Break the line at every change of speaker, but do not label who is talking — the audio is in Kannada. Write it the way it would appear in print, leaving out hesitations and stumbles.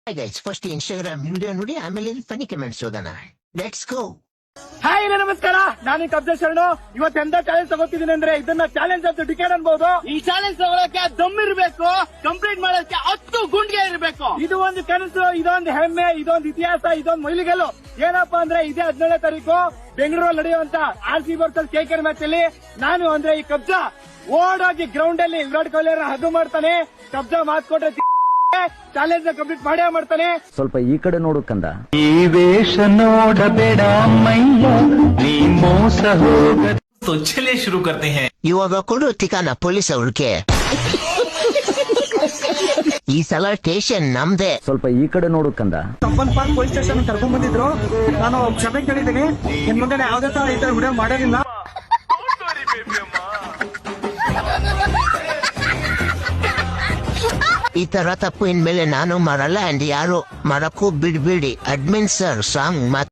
ಗೈಸ್ ಫಸ್ಟ್ ಇನ್ಸ್ಟಾಗ್ರಾಮ್ ವಿಡಿಯೋ ನೋಡಿ ಆಮೇಲೆ ಫನಿ ಕಮೆಂಟ್ಸ್ ಓದೋಣ. Let's go.
ಹಾಯ್ ನಮಸ್ಕಾರ, ನಾನು ಕಬ್ಜ ಶರಣು. ಇವತ್ತು ಎಂತ ಚಾಲೆಂಜ್ ತಗೋತಿದ್ದೀನಿ ಅಂದ್ರೆ ಇದನ್ನ ಚಾಲೆಂಜ್ ಅಂತ ಟಿಕೆಟ್ ಅನ್ಬಹುದು. ಈ ಚಾಲೆಂಜ್ ತಗೊಳಕ್ಕೆ ದಮ್ ಇರ್ಬೇಕು, ಕಂಪ್ಲೀಟ್ ಮಾಡೋಕೆ 10 ಗುಂಡಿಗೆ ಇರಬೇಕು. ಇದು ಒಂದು ಕನಸು, ಇದೊಂದು ಹೆಮ್ಮೆ, ಇದೊಂದು ಇತಿಹಾಸ, ಇದೊಂದು ಮೈಲಿಗಲ್ಲು. ಏನಪ್ಪಾ ಅಂದ್ರೆ ಇದೇ 17ನೇ ತಾರೀಕು ಬೆಂಗಳೂರಲ್ಲಿ ನಡೆಯುವಂತ RCB ವರ್ಸಸ್ KKR ಮ್ಯಾಚ್ ಅಲ್ಲಿ ನಾನು ಅಂದ್ರೆ ಈ ಕಬ್ಜ ಓಡೋಗಿ ಗ್ರೌಂಡ್ ಅಲ್ಲಿ ವಿರಾಟ್ ಕೊಹ್ಲಿ ಹದ್ದು ಮಾಡ್ತಾನೆ. ಕಬ್ಜ ಮಾತ್ ಕೊಟ್ರೆ ಚಾಲೆಂಜ್ ಕಂಪ್ಲೀಟ್ ಮಾಡೇ ಮಾಡ್ತಾನೆ.
ಸ್ವಲ್ಪ ಈ ಕಡೆ ನೋಡು ಕಂದ.
ಈ ವೇಷ ನೋಡಬೇಡ ಮೈಯ, ನೀ ಮೋಸ ಹೋಗ. तो चलिए शुरू करते हैं.
ಇವಾಗ ಕೊಡು ತಿಕಾನ ಪೊಲೀಸ್ ಅವ್ರಿಗೆ. ಈ ಸಲ ಸ್ಟೇಷನ್ ನಮ್ದೆ.
ಸ್ವಲ್ಪ ಈ ಕಡೆ ನೋಡು ಕಂದ.
ಸಂಪನ್ ಪಾರ್ಕ್ ಪೊಲೀಸ್ ಸ್ಟೇಷನ್ ಕರ್ಕೊಂಡ್ ಬಂದಿದ್ರು. ನಾನು ಕ್ಷಮೆ ಕೇಳಿದ್ದೀನಿ. ಇನ್ ಮುಂದೆ ಯಾವ್ದೇ ತರ ಈ ತರ ವಿಡಿಯೋ ಮಾಡೋದಿಲ್ಲ.
ಈ ತರ ತಪ್ಪು ಇನ್ಮೇಲೆ ನಾನು ಮಾಡಲ್ಲ ಅಂಡ್ ಯಾರು ಮಾಡಕ್ಕೂ ಬಿಡ್ಬೇಡಿ. Admin sir song